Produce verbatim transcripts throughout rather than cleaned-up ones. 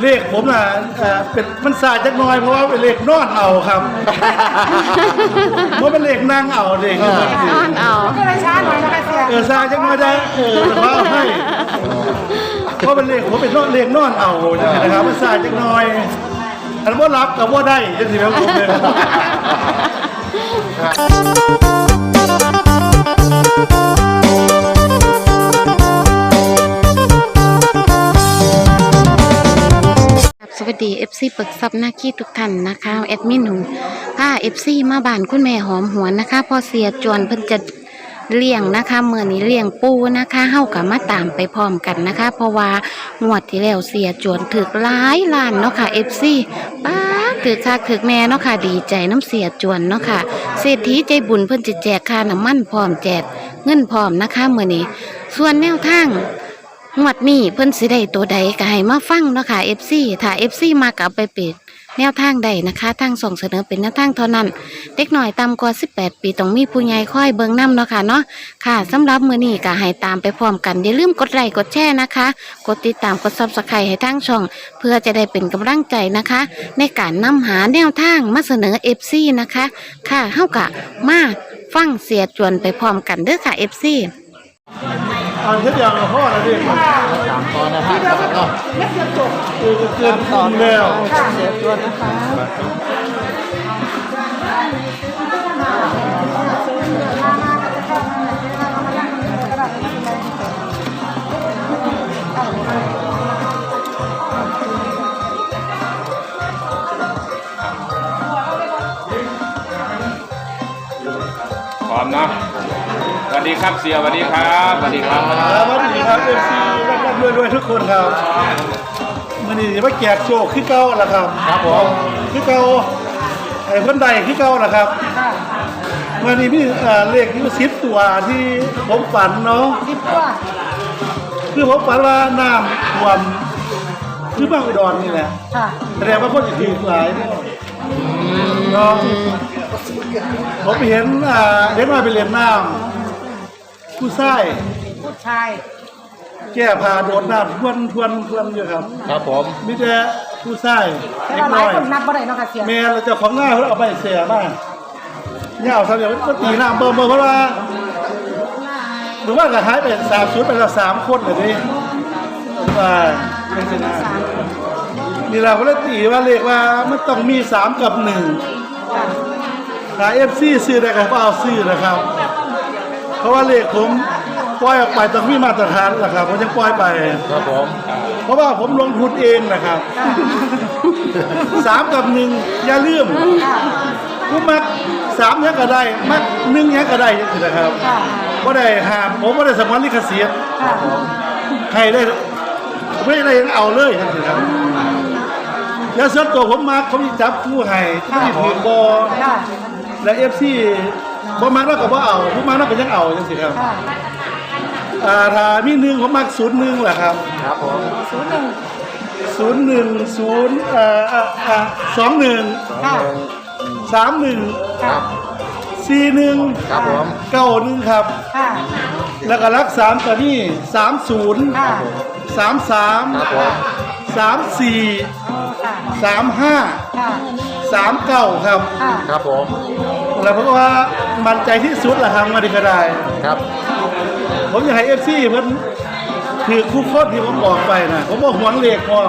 เลขผมน่ะเป็นมันซาจักน้อยเพราะว่าเป็นเลขนอนเอาครับเพราะเป็นเลขนั่งเอาเลขนอนเอาก็เลยช้าหน่อยนะคะเสียเออซาจักน้อยได้เออเพราะให้เพราะเป็นเลขผมเป็นเลขนอนเอาจังซี่นะครับมันซาจักน้อยอันบ่รับกับบ่ได้จังซี่ครับผมเลยสวัสดี เอฟ ซี เปิกซับหน้าขี้ทุกท่านนะคะแอดมินหนูพา เอฟ ซี มาบ้านคุณแม่หอมหวนนะคะพอเสียจวนเพิ่นจะเลี้ยงนะคะเมื่อนี้เลี้ยงปูนะคะเฮากับมาตามไปพร้อมกันนะคะเพราะว่างวดที่แล้วเสียจวนถึกหลายล้านเนาะค่ะ เอฟ ซี ป้าถือค่ะถือแม่เนาะค่ะดีใจน้ำเสียจวนเนาะค่ะเศรษฐีใจบุญเพิ่นจะแจกค่าน้ำมันพร้อมแจกเงินพร้อมนะคะเมื่อนี้ส่วนแนวทางงวดนี้เพิ่นสิได้ตัวใดก็ให้มาฟังเนาะค่ะ เอฟ ซี ถ้า เอฟ ซี มาก็เอาไปเปิดแนวทางใดนะคะทางส่งเสนอเป็นแนวทางเท่านั้นเด็กหน่อยต่ำกว่าสิบแปดปีต้องมีผู้ใหญ่คอยเบิ่งนำเนาะค่ะเนาะค่ะสำหรับมื้อนี้ก็ให้ตามไปพร้อมกันอย่าลืมกดไลค์กดแชร์นะคะกดติดตามกด ซับสไครบ์ ให้ทางช่องเพื่อจะได้เป็นกำลังใจนะคะในการนำหาแนวทางมาเสนอ เอฟ ซี นะคะค่ะเฮาก็มาฟังเสียจวนไปพร้อมกันเด้อค่ะ เอฟ ซีอันที่อย่างพ่อนะพี่สามตอนนะครับเนาะเล็กเดียวจบคือเกินตอนแล้วเสียตัวนะคะพร้อมนะสวัสดีครับเสียสวัสดีครับสวัสดีครับสวัสดีครับเอฟซีรับด้วยด้วยทุกคนครับมันนี่ว่าแจกโชคขึ้นเก้าละครับครับผมขึ้นเก้าไอ้คนใดขึ้นเก้าละครับมันนี่พี่เลขที่สิบตัวที่ผมฝันเนาะสิบตัวคือผมฝันว่าน้ำท่วมคือบ้านอุดรนี่แหละแสดงว่าคนจะถือหลายเนาะผมเห็นเด็กน้อยไปเล่นน้ำผู้ชายผู้ชายแก้ผ้าโดดน้ำทวนทวนทวนอยู่ครับครับผมมีแต่ผู้ชายเล็กน้อยคนนับบ่ได้เนาะค่ะเสียแม่เราจะของง่ายเขาเอาไปเสียมากเนี่ยเอาทำอย่างก็ตีน้ำเบิ่มเบิ่มเพราะว่าหรือว่าก็หายไปสามชุดไปแล้วสามคนเลยนี่ว่าเป็นชนะนี่เราก็เลยตีว่าเลขว่ามันต้องมีสามกับหนึ่งถ้าเอฟซีซื้อได้ก็เอาซื้อนะครับเพราะว่าเลขผมปล่อยออกไปต้องมีมาตรฐานนะครับผมจะปล่อยไปครับผมเพราะว่าผมลงทุนเองนะครับสามกับหนึ่งอย่าลืมผู้มักสามยังก็ได้มักหนึ่งยังก็ได้ยังนะครับก็ได้หามผมก็ได้สมรลิขสิทธิ์ใครได้ไม่ได้ยังเอาเลยนะครับแล้วส่วนตัวผมมักเขามีจับผู้ให้ที่มีผืนบอและเอฟซีบ่มักแล้วก็บ่เอาผู้มักแล้วก็ยังเอาจังสิครับอ่าถ้ามีหนึ่งผมมักศูนย์หนึ่งแหละครับครับผมศูนย์หนึ่งศูนย์หนึ่งศูนย์อ่าอ่าอ่าสองหนึ่งสามหนึ่งสี่หนึ่งเก้าหนึ่งครับแล้วก็รักสามตัวนี้สามศูนย์สามสามสามสี่สามห้าสามเก้าครับครับผมแล้วเพราะว่ามั่นใจที่สุดแหละครับมาดีก็ได้ครับผมอยากให้เอฟซีเพิ่นถือคู่โคตรที่ผมบอกไปนะผมบอกหวงเลขพร้อม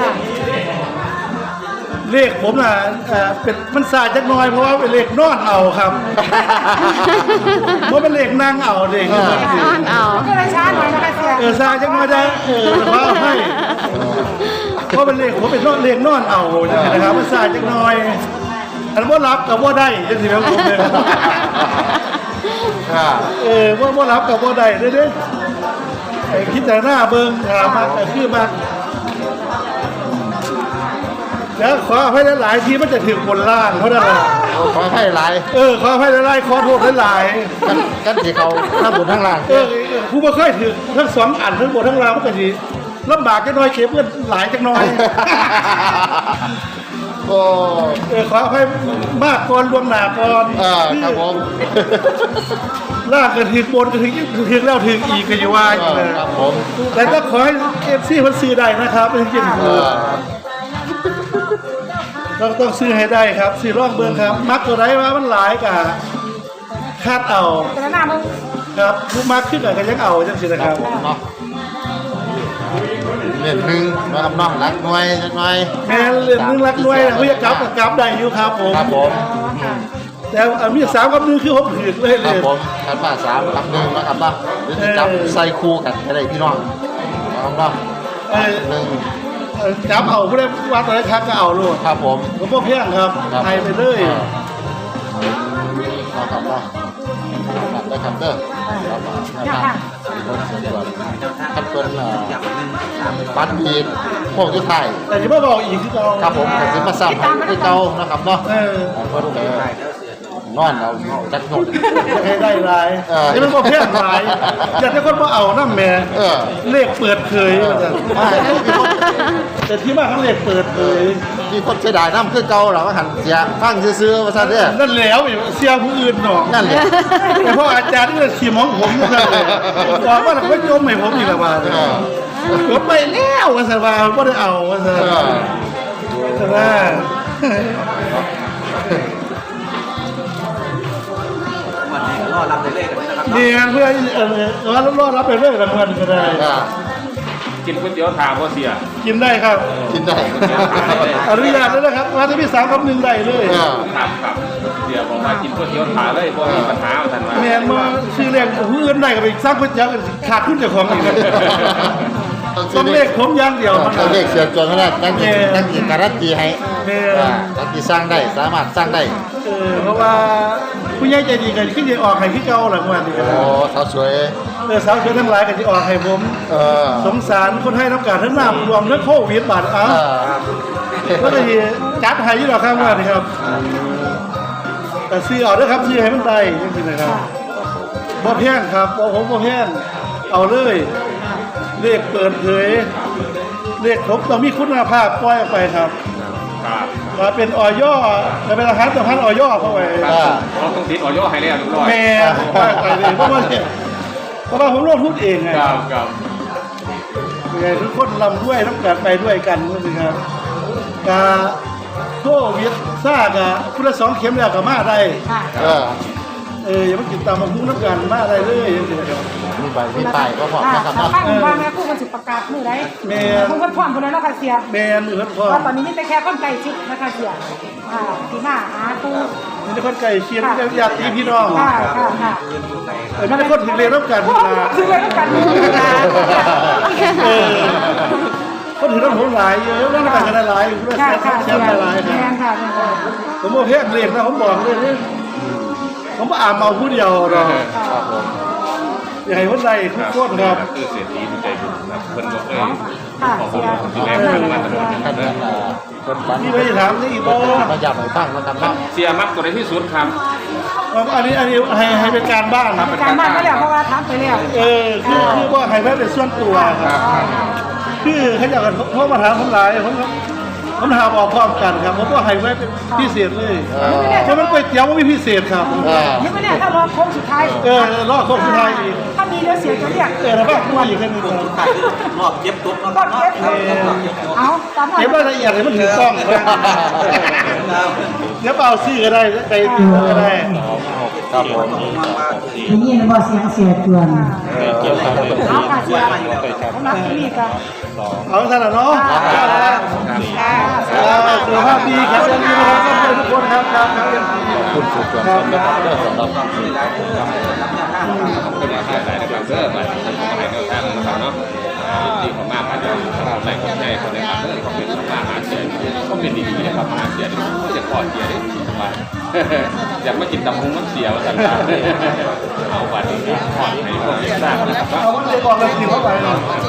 เลขผมน่ะเป็นมันซาจักน้อยเพราะว่าเป็นเลขนอนเอาครับเพราะเป็นเลขนั่งเอาเลขนอนเอาก็เลยช้าหน่อยนะคะเสียเออซาจักน้อยได้เออเพราะให้เพราะเป็นเลขผมเป็นเลขนอนเอาจังซี่นะครับมันซาจักน้อยอันบ่รับกับบ่ได้จังซี่ครับผมเลยเออว่าบ่รับกับบ่ได้เด้อไอ้คิดแต่หน้าเบิ่งถามมาแต่คือมาแล้วขอให้หลายๆทีมันจะถึงบนล่างเขาได้เลยขอให้หลายเออขอให้หลายๆขอโทษหลายกันกันที่เขาทั้งบนทั้งล่างเออผู้บ่เคยถึงทั้งสองอันทั้งบนทั้งล่างมันก็สิลำบากจักหน่อยเก็บเงินหลายจักหน่อยโอ้เออขอให้มากก่อนล่วงหน้าก่อนเออครับผมล่างก็ถึงบนก็ถึงถึงแล้วถึงอีกก็อยู่ว่าเออครับผมแต่ก็ขอให้เอฟซีมันซื้อได้นะครับเป็นจริงเออเราต้องซื้อให้ได้ครับซื้อร่องเบืองครับ มักตัวไรว่ามันหลายกะคาดเอาแต่หน้ามึงครับผู้มักขึ้นกับกันยังเอาจังสินะคครัรับบ ผมเนาะเล่นหนึ่งนะครับเนาะรักหน่วยจักหน่อยแม่เรื่องนึงรักด้วยนะพี่กับกับกับได้อยู่ครับผมครับผมแต่อันมีสามกับหนึงคือผมถือเลยคเลรับยผมขันมาสามกับหนึ่งนะครับเนาะหรือจะจับเออใส่คู่กันก็ได้พี่น้องนะครับเนาะเออหนึ่งเออจับเอาผู้ใดว่าตัวไหนคักก็เอาลูกครับผมผมพ่อเพียงครับครับไทยไปเลยนะครับเนาะครับได้ครับเด้อครับครับครับเพิ่นเอ่อปัดมีดพวกทุกไทายแต่ที่พ่อบอกอีกคือเราครับผมก็สิมาซ้ำคือเก่านะครับเนาะเออเพิ่นเอ่อนอนเอาจักหนกจะให้ได้หลายเออนี่มันพ่อเพียงหลายอยากให้คนมาเอาน้ำแม่เออเลขเปิดเผยว่าซั่นอ่ามีคนแต่ที่มาเขาเลขเปิดเผยมีคนเสียดายน้ำคือเก่าเหรอว่าหันเสียฟังซื่อๆว่าซั่นเด้อนั่นแล้วเสียผู้อื่นหนอกนั่นแหละแต่พ่ออาจารย์นี่ขี่มองผมนั่นเลยบอกว่าเราก็จมให้ผมอีกแล้วว่าเออผมไปแล้วว่าสันว่าไม่ได้เอาว่าสันเออแต่ว่าดีงานเพื่อนเออว่ารอดรับไปเรื่อยรางวัลก็ได้อ่ากินก๋วยเตี๋ยวถามว่าเสียกินได้ครับกินได้อนุญาตแล้วนะครับว่าถ้าพี่สามคำหนึ่งได้เลยเออครับครับเดี๋ยวบอกว่ากินก๋วยเตี๋ยวถามเลยเพราะมีปัญหาเอาทันมาแมนมาชื่อเรียกผู้อื่นได้ก็ไปสร้างก๋วยเตี๋ยวขาดขึ้นจากของอีกต้องเลขผมอย่างเดียวมันต้องเลขเสียจนเท่านั้นตั้งกี่ตั้งกี่การันตีให้แม่ว่าตั้งกี่สร้างได้สามารถสร้างได้เออเพราะว่าผู้ใหญ่ใจดีกันขึ้นจะออกให้พี่เก่าหลังวันนี้ก็โอ้ได้สาวสวยเออสาวสวยทั้งหลายก็จะออกให้ผมเออสงสารคนให้น้ำการทั้งน้ำรวมทั้งโควิดบาดเอ้าเออก็เลยจัดให้ยี่หรอกครับว่านี่ครับแต่ซื้อเอาด้วยครับซื้อให้มันได้ยังไงนะครับบ่แพงครับบ่ผมบ่แพงเอาเลยเลขเปิดเผยเลขผมต้องมีคุณภาพปล่อยออกไปครับครับว่าเป็นออยจะเป็นอาหารสำคัญออยเข้าไปครับเราต้องติดออยให้แล้วทุกร้อยแม่ว่าไปเลยเพราะว่าเนี่ยเพราะว่าผมลงทุนเองไงครับครับยังไงทุกคนลำด้วยน้ำกันไปด้วยกันนะครับกาโควิดซ่ากะคุณละสองเข็มแล้วก็มาได้ค่ะเออเอออย่ามากินตามมาพุ่งน้ำกันมาได้เลยอย่างเงี้ยครับมีใบมีป้ายก็พอค่ะนะครับถ้าเนาะฟังคุณพ่อแม่คู่มันสิประกาศมือไรแม่คู่กันพร้อมคนนั้นเนาะค่ะเสียแมนหรือพ่อว่าตอนนี้มีแต่แค่คนไก่ชิดนะคะเสียค่ะที่มาหาคู่มีแต่คนไก่เชียร์มีแต่ญาติพี่น้องค่ะค่ะค่ะเออมีแต่คนถึงเรียนน้ำกันพวมากคือเรื่องกันมือนะเออคนถึงน้ำผมหลายเยอะน้ำกันกันหลายคุณละค่ะแสค่ะนเสีแสยนหลายคแม่รับค่ะแม่ค่ะผมบอกเพียงเรียกนะผมบอกเลยนี่ผมอ่านเมาผู้เดียวหรอกครับผมอย่าให้คนใดทุกคนครับคือเศรษฐีมันใจบุญนะเพิ่นบอกเลยค่ะขอบเสีคุณยที่แรกเพิ่งมาตลอดท่านนั้นอ่าเพิ่นฝันนี่ไม่ได้ถามนี่อีกบ่มาย้ำให้ฟังนะครับเนาะเสียมักตัวไหนที่สุดครับอันนี้อันนี้ให้ให้เป็นการบ้านครับการบ้านก็แล้วเพราะว่าทำไปแล้วเออคือคือว่าให้ไว้เป็นส่วนตัวครับคือเขาอยากกันเพราะมาถามผมหลายผมผมถามออกพร้อมกันครับผมก็ให้ไว้เป็นพิเศษเลยเออเพราะมันก๋วยเตี๋ยวมันมีพิเศษครับเออนี่ไม่แน่ถ้ารอโค้งสุดท้ายเออรอบโค้งสุดท้ายอีกถ้ามีเรือเสียจะเรียกเออแล้วก็มาอยู่แค่นี้ครับรอบเจ็บตุ๊บก็เก็บเอาตามเก็บรายละเอียดให้มันถูกต้องนะเดี๋ยวเอาซื้อก็ได้ไปซื้อก็ได้ครับผมได้ยินว่าเสียงเสียจวนเอาค่ะเสียผมรักที่นี่กันเอาท่านละเนาะสุขภาพดีแข็งแรงดีนะครับทุกคนครับครับครับคุณสุดยอดนะครับเด้อสำหรับเป็นมาหาหลายนะครับเด้อหลายท่านก็ให้แนวทางนะครับเนาะดีมากๆอาจจะหลายคนให้คนนะครับเด้อเขาเป็นมาหาเสียก็เป็นดีๆนะครับมาหาเสียก็จะขอเสียได้ว่าอยากมากินตำฮุ้งมันเสียว่าสันตาเอาบัตรนี้ขอให้พวกเด็กทราบนะครับเอาวันเด็กก่อนเลยกินเข้าไป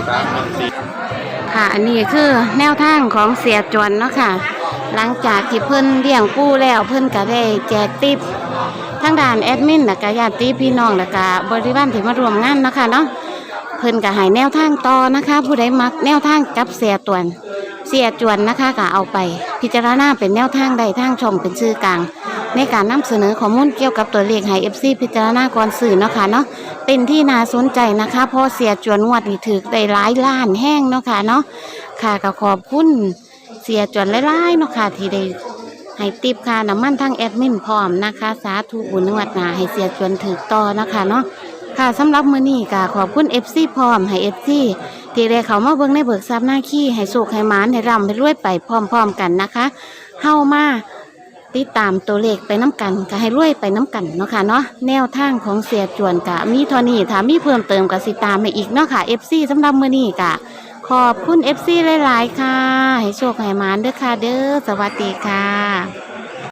ค่ะ อันนี้คือแนวทางของเสียจวนเนาะค่ะ หลังจากที่เพิ่นเลี้ยงปูแล้วเพิ่นก็ได้แจกติปทั้งด่านแอดมินและก็ญาติพี่น้องและก็บริวารที่มาร่วมงานเนาะค่ะเนาะเพิ่นก็ให้แนวทางต่อนะคะ ผู้ใดมักแนวทางกับเสียตวนเสียจวนนะคะก็เอาไปพิจารณาเป็นแนวทางใดทางช่องเป็นชื่อกลางในการนำเสนอข้อมูลเกี่ยวกับตัวเลขให้ เอฟ ซี พิจารณาก่อนสื่อเนาะค่ะเนาะเป็นที่น่าสนใจนะคะเพราะเสียจวนงวดนี่ถือได้หลายล้านแห้งเนาะค่ะเนาะค่ะก็ขอบคุณเสียจวนหลายๆเนาะค่ะที่ได้ให้ติบค่าน้ำมันทางแอดมินพร้อมนะคะสาธุบุญนวดหนาให้เสียจวนถือต่อนะคะเนาะค่ะสำหรับมื้อนี้ก็ขอบคุณ เอฟ ซี พร้อมให้ เอฟ ซี ที่ได้เขามาเบิ่งในเบิกทรัพย์หน้าขี้ให้สุขให้หมานให้ร่ำให้รวยไปพร้อมๆกันนะคะเฮามาติดตามตัวเลขไปน้ำกันก็ให้รวยไปน้ำกันเนาะค่ะเนาะแนวทางของเสียจวนกะมีเท่านี้ถ้ามีเพิ่มเติมก็สิตามมาอีกเนาะค่ะ เอฟ ซี สำหรับมื้อนี้กะขอบคุณ เอฟ ซี หลายๆค่ะให้โชคให้หมานเด้อค่ะเด้อสวัสดีค่ะ